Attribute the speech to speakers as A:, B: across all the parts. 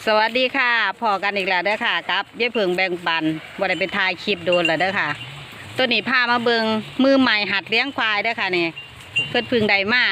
A: สวัสดีค่ะพอกันอีกแล้วเด้อค่ะครับยายเพิงแบ่งปันบ่ได้ไปถ่ายคลิปโดนแล้วเด้อค่ะตัวนี้พามาเบิงมือใหม่หัดเลี้ยงควายเด้อค่ะนี่เพิ่นพึ่งได้มา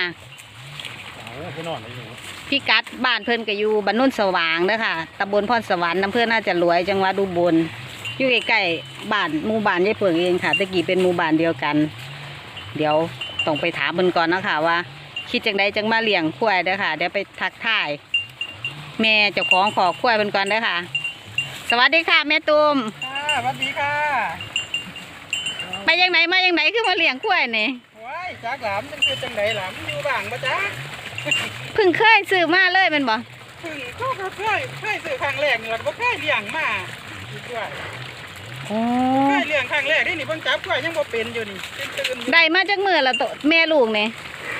A: พี่กัดบ้านเพิ่นก็อยู่บ้านนุ่นสว่างเด้อค่ะตำบลพรสวรรค์อำเภอน่าจะรวยจังหวัดอุบลอยู่ใกล้ๆบ้านหมู่บ้านยายเพิงเองค่ะตะกี้เป็นหมู่บ้านเดียวกันเดี๋ยวต้องไปถามเพิ่นก่อนนะคะว่าคิดจังใดจังมาเลี้ยงควายเด้อค่ะเดี๋ยวไปทักทายแม่เจ้าของขอควายเป็นก่อนเด้อค่ะสวัสดีค่ะแม่ตุ้ม
B: ค่ะสวัสดีค่ะ
A: ไปยังไหนมายังไหนคือมาเลี้ยงควายนี่
B: ว้ายจากหลามมันคือจังไดหลามอยู่บ้างปะจ๊ะ
A: เพิ่งเคยซื้อมาเลยเป็นบ่
B: เพิ่งก็เคยซื้อครั้งแรกเนี่ยก็เคยเลี้ยงมาด้วยเคยเลี้ยงครั้งแรกนี่เพิ่งจับกล้วยยังบ่เป็นอยู่นี่ตื่น
A: ได้มาจากมือละตัวแม่ลูกนี่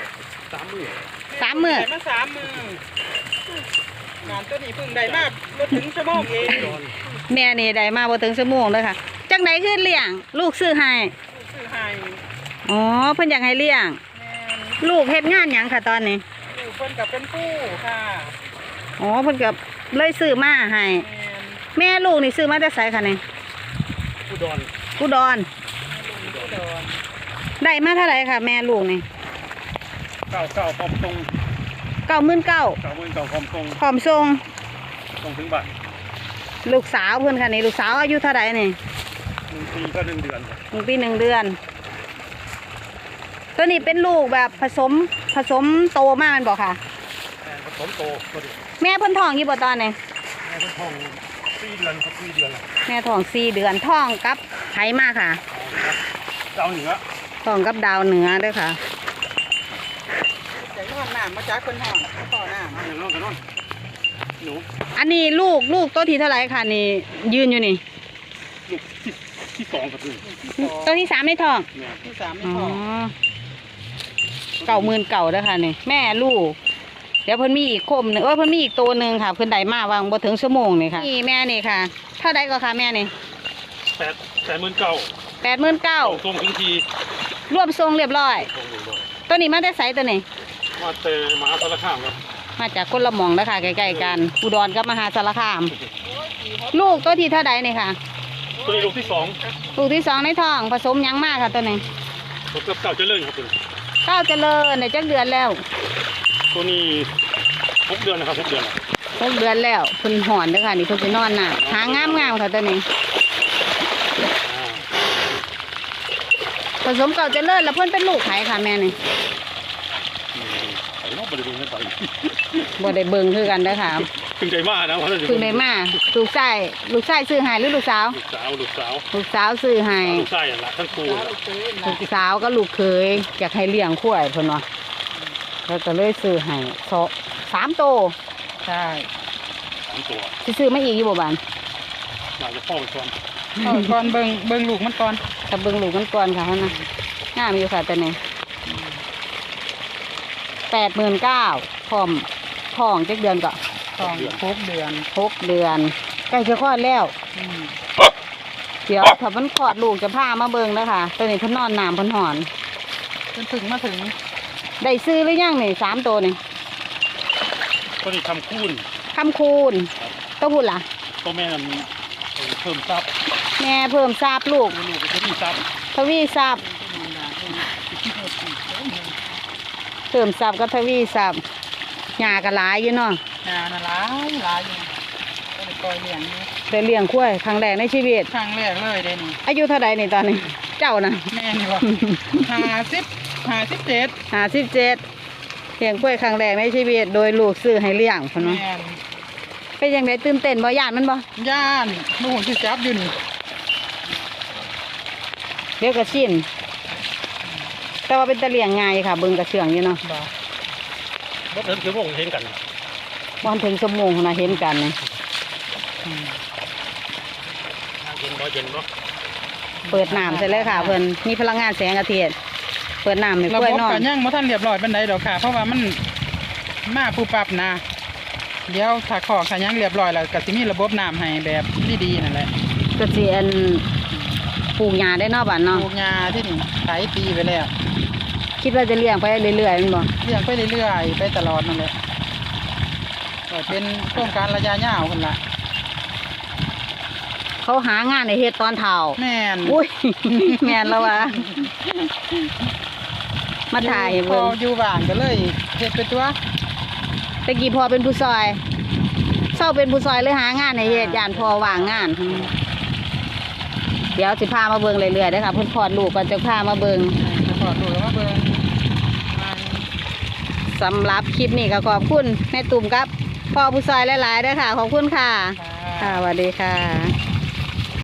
A: 3 มื้อ
B: ได้มา3 มื้องานตัวนี้เพิ่งได้มาบ่ถึงชั่วโมงเอง
A: แม่นี่ได้มาบ่ถึงชั่วโมงเลยค่ะจังไหนคือเลี้ยงลูกซื้อให้อ๋อเพิ่นอยากให้เลี้ยงลูกเฮ็ดงานหยังค่ะตอนนี้
B: ลูกเพิ่นกับเป็นผู้ค่ะ
A: อ๋อเพิ่นกับเลยซื้อมาให้แม่ลูกนี่ซื้อมาแต่ไสค่ะนี่อุดรได้มาเท่าไหร่ค่ะแม่ลูกนี่
B: 99พร้อมตรง
A: 99,000พร้อมส่ง
B: ถึงบ้าน
A: ลูกสาวเพิ่นค่ะนี่ลูกสาวอายุเท่าไหร่นี่
B: 1 ปีก็1 เดือน
A: 1 ปี 1 เดือนตัวนี้เป็นลูกแบบผสมโตมากมันบอกค่ะ
B: ผสมโต
A: แม่เพิ่นท้องกี่บ่ตอนนี้
B: แม่เพิ่นท้อง4 เดือนครับ4 เดือน
A: แม่ท้อง4 เดือนท้องกับไผมาค่ะ
B: ดาวเหนือ
A: ท้องกับดาวเหนือเด้อค่ะ
B: จากนอนน้ำมาจากคนห้องต่อน้ำอย่างนอนกันนอนหนู
A: อันนี้ลูกตัวที่เท่าไหร่ค่ะนี่ยืนอยู่นี่
B: ลูกที่2ครับ
A: ตัวที่3ในท้อง
B: ที่3ในท้อง
A: 90,000เด้อค่ะนี่แม่ลูกเดี๋ยวเพิ่นมีอีกคมนึงเพิ่นมีอีกตัวนึงค่ะเพิ่นได้มาวางบ่ถึงชั่วโมงนี่ค่ะนี่แม่นี่ค่ะเท่าใดก็ค่ะแม่นี่
B: 89,000ส่งถึงที
A: รวมทรงเรียบร้อยตัวนี้มาแต่ไสตัวนี้
B: มาแต่มหาสารคามครับ
A: มาจากคนละหม่องนะคะใกล้ๆกันอุดรกับมหาสารคามลูกตัวที่เท่าใดนี่ค่ะ
B: ตัวนี้ลูกที่
A: 2ในท้องผสมยังมากค่ะตัวนี้
B: ผมกับเก่าเจริญครับคุณ
A: เก้าเจริญในจักเดือนแล้ว
B: ตัวนี้6 เดือนนะครับ6 เดือน
A: แล้วเพิ่นหอนเด้อค่ะนี่เพิ่นสินอนน่ะหางามค่ะตัวนี้ผสมเก่าเจริญแล้วเพิ่นเป็นลูกไผค่ะแม่นี่บ่ได้เบิ่งคือกันเด้อค่ะ
B: เพิ่งได้มานะ
A: เพิ่งได้มาลูกชายซื้อให้หรือลูกสาวลูกสาวซื้อให้
B: ลูกชายอย่างละทั้งคู่
A: ลูกสาวก็ลูกเคยอยากให้เลี้ยงควายเพิ่นว่าแล้วก็เลยซื้อให้3 ตัว
B: ใช่3 ตัว
A: สิซื้อมาอีกอยู่บ่บาน
B: น่าจะพ่อก่อนเบิ่งลูกมันก่อน
A: ถ้าเบิ่งลูกมันก่อนค่ะนะงามอยู่ค่ะแต่นี่89,000พร้อมท้องจักเดือนก็
B: ท้อง6 เดือน
A: ใกล้จะคลอดแล้วเดี๋ยวถ้ามันคลอดลูกจะพามาเบิ่งนะคะตัวนี้เพิ่นนอนน้ำเพิ่นหอน
B: จนถึงมาถึง
A: ได้ซื้อหรือยังนี่3 ตัวนี่
B: ตัวนี้คำคูณ
A: ตัวพูดล่ะ
B: ตัวแม่เพิ่มซับ
A: แม่เพิ่มซับลูกทวีซับเพิ่มซับก็ทวีซับหญ้าก็หลายอยู่เนาะ
B: หญ้าน่ะหลายอยู่ก็ได้ปล่อยเลี้ยงอยู่
A: ได้เลี้ยงควายครั้งแรกในชีวิต
B: ครั้งแรกเลยได้นี่
A: อายุเท่าใดนี่ตอนนี้เจ้านะ
B: แม่นี่บ่57
A: เลี้ยงควายครั้งแรกในชีวิตโดยลูกซื้อให้เลี้ยงเพิ่นว่าเป็นจังไดตื่นเต้นบ่ย่านมันบ่
B: ย่านหนูสิจับอยู่นี่
A: เดี๋ยวก็ชินแต่ว่าเป็นตะเลี้ยงง่ายค่ะเบิ่งกระเชื่องอยู่เนาะ
B: บ่ถึงชั่วโมงเห็นกัน
A: บ่ถึงชั่วโมงนะเห็นกันนี่
B: เย็นบ่
A: เปิดน้ำใช่เลยค่ะเพิ่นมีพลังงานแสงอาทิตย์เปิดน้ำให้กล้วยนอน
B: ระบบก็ยังบ่ทันเรียบร้อยปานใดดอกค่ะเพราะว่ามันมาปุ๊บปั๊บนะเดี๋ยวถ้าขอกถ้ายังเรียบร้อยแล้วก็สิมีระบบน้ำให้แบบดีๆนั่นแหละ
A: ก็สิปลูกหญ้าได้เนาะบ้านเนาะ
B: ปลูกหญ้าที่นี่หลายปีไปแล้ว
A: คิดว่าจะเลี้ยงไปเรื่อยๆแม่นบ่
B: เลี้ยงไปเรื่อยๆไปตลอดนั่นแหละก็เป็นโครงการระยะยาวคนละ
A: เขาหางานในเฮ็ดตอนเฒ่า
B: แม่น
A: อุ้ย แม่นแล้ววะมาถ่ายให้
B: พอ
A: เบิ่ง
B: อยู่บ้านก็เลยเฮ็ดไปตัว
A: ตะกี้พอเป็นผู้ซอยเศร้าเป็นผู้ซอยเลยหางานในเฮ็ดย่านพอว่างงาน เดี๋ยวสิพามาเบิ่งเรื่อยๆเด้อค่ะเพิ่นคลอดลูกก่อนจะพามาเบิ่ง
B: จะขอดูแล้วมาเบิ่ง
A: สำหรับคลิปนี้ก็ขอบคุณแม่ตุ่มครับพ่อผู้ซอยหลายๆเด้อค่ะ ขอบคุณค่ะ ค่ะสวัสดีค่ะ